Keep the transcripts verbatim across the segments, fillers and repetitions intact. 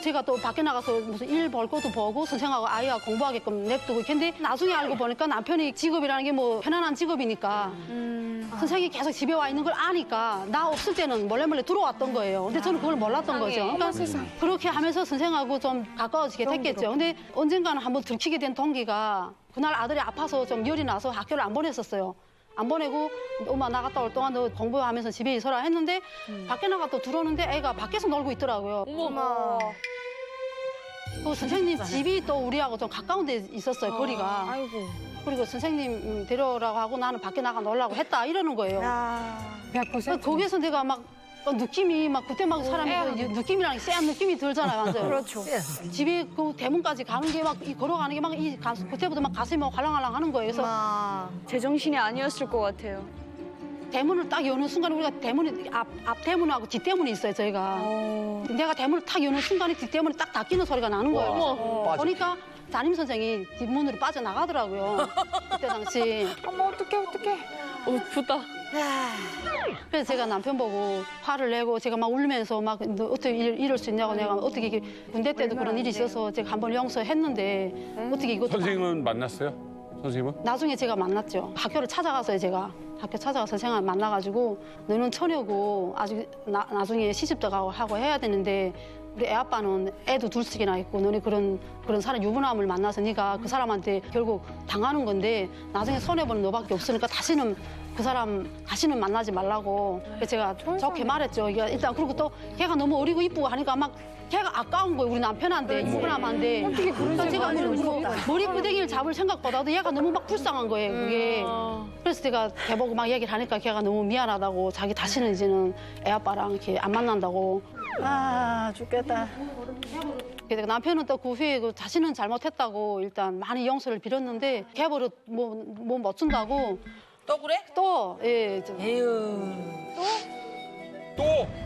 제가 또 밖에 나가서 무슨 일 벌 것도 보고 선생하고 아이가 공부하게끔 냅두고 근데 나중에 알고 보니까 남편이 직업이라는 게 뭐 편안한 직업이니까 음. 선생이 계속 집에 와 있는 걸 아니까 나 없을 때는 몰래 몰래 들어왔던 거예요. 근데 저는 그걸 몰랐던 거죠. 그러니까 그렇게 하면서 선생하고 좀 가까워지게 됐겠죠. 근데 언젠가는 한번 들키게 된 동기가 그날 아들이 아파서 좀 열이 나서 학교를 안 보냈었어요. 안 보내고 엄마 나갔다 올 동안 너 공부하면서 집에 있어라 했는데 음. 밖에 나갔다 들어오는데 애가 밖에서 놀고 있더라고요. 어머. 그 선생님 집이 또 우리하고 좀 가까운 데 있었어요, 거리가. 아이고. 그리고 선생님 데려오라고 하고 나는 밖에 나가 놀라고 했다 이러는 거예요. 야. 거기서 내가 막 느낌이 막 그때 막 사람이 그 느낌이랑 쎄한 느낌이 들잖아요, 완전. 그렇죠. 집에 그 대문까지 가는 게 막 이 걸어가는 게 막 이 그때부터 막 가슴이 막 활랑활랑 하는 거예요. 그래서 아. 제정신이 아니었을 것 같아요. 대문을 딱 여는 순간 우리가 대문이 앞, 앞 대문하고 뒷 대문이 있어요, 저희가. 어. 내가 대문을 탁 여는 순간에 뒷 대문이 딱 닫히는 소리가 나는 거예요. 어머. 보니까 담임 선생이 뒷문으로 빠져나가더라고요. 그때 당시. 어머, 어떡해, 어떡해. 우프다. 그래서 제가 남편 보고 화를 내고 제가 막 울면서 막 너 어떻게 이럴, 이럴 수 있냐고 내가 어떻게 이게 군대 때도 그런 일이 있어서 제가 한번 용서했는데 어떻게 이것도 선생님은 만났어요? 선생님은? 나중에 제가 만났죠. 학교를 찾아갔어요, 제가. 학교 찾아가서 선생을 만나가지고 너는 처녀고 아직 나, 나중에 시집도 가고 하고 해야 되는데 우리 애 아빠는 애도 둘씩이나 있고 너네 그런 그런 사람 유부남을 만나서 네가 그 사람한테 결국 당하는 건데 나중에 손해보는 너밖에 없으니까 다시는 그 사람 다시는 만나지 말라고 그래서 제가 좋게 말했죠. 이게 일단 그리고 또 걔가 너무 어리고 이쁘고 하니까 막 걔가 아까운 거예요. 우리 남편한테 유부남한테. 어떻게 그런 제가 뭐, 머리끄댕이를 잡을 생각보다도 얘가 너무 막 불쌍한 거예요. 그게. 그래서 제가 걔 보고 막 얘기를 하니까 걔가 너무 미안하다고 자기 다시는 이제는 애 아빠랑 이렇게 안 만난다고. 아, 죽겠다. 그래서 남편은 또 그 후에 그 자신은 잘못했다고 일단 많이 용서를 빌었는데 걔 버릇 뭐뭐 못 준다고. 또 그래? 또 예. 좀 또!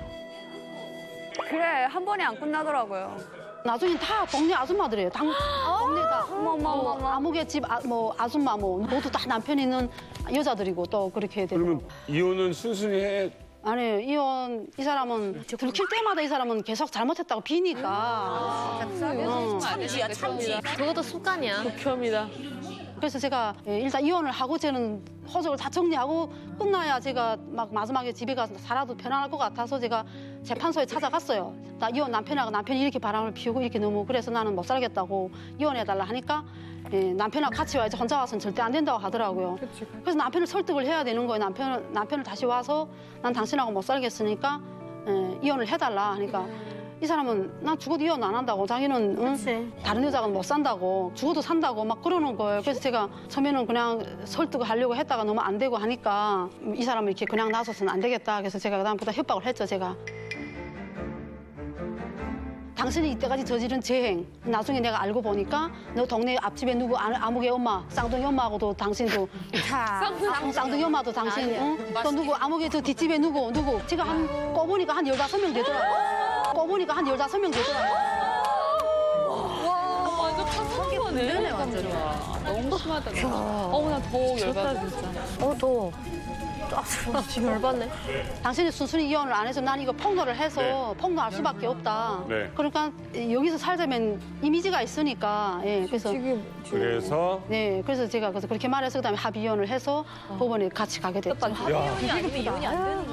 그래, 한 번에 안 끝나더라고요. 나중엔 다 동네 아줌마들이에요. 당, 동네 다. 어머, 어머, 뭐 어머. 아무개 집 아, 뭐 아줌마 뭐 모두 다 남편 있는 여자들이고 또 그렇게 되고. 그러면 이혼은 순순히 해? 아니 이혼 이 사람은 들킬 때마다 이 사람은 계속 잘못했다고 비니까. 어. 참지야, 참지. 그것도 습관이야. 극혐이다. 그래서 제가 예, 일단 이혼을 하고 저는 호적을 다 정리하고 끝나야 제가 막 마지막에 집에 가서 살아도 편안할 것 같아서 제가 재판소에 찾아갔어요. 나 이혼 남편하고 남편이 이렇게 바람을 피우고 이렇게 너무 그래서 나는 못 살겠다고 이혼해달라 하니까 예, 남편하고 같이 와야지 혼자 와서는 절대 안 된다고 하더라고요. 그래서 남편을 설득을 해야 되는 거예요. 남편을, 남편을 다시 와서 난 당신하고 못 살겠으니까 예, 이혼을 해달라 하니까 이 사람은 난 죽어도 이혼 안 한다고 자기는 응? 다른 여자가 못 산다고 죽어도 산다고 막 그러는 거예요. 그래서 제가 처음에는 그냥 설득을 하려고 했다가 너무 안 되고 하니까 이 사람을 이렇게 그냥 놔둬서는 안 되겠다. 그래서 제가 그다음부터 협박을 했죠. 제가. 당신이 이때까지 저지른 재행 나중에 내가 알고 보니까 너 동네 앞집에 누구 아- 아무개 엄마 쌍둥이 엄마하고도 당신도 쌍, 쌍둥이 엄마도 당신 응? 또 누구 아무개 저 뒷집에 누구 누구 제가 한 꺼보니까 한 열다섯 명 되더라고요. 꺼보니까 한 열다섯 명 되더라고요. 완전 파산거네. 완전. 너무 심하다. 어머, 나더 열받아, 진짜. 어, 더. 지금 열받네. 당신이 순순히 이혼을 안 해서 난 이거 폭로를 해서 네. 폭로할 수밖에 없다. 네. 그러니까 여기서 살자면 이미지가 있으니까 예 그래서 그래서 네 그래서 제가 그래서 그렇게 말해서 그다음에 합의 이혼을 해서 법원에 같이 가게 됐죠. 야, 이혼이 아니면 이혼이 안 되는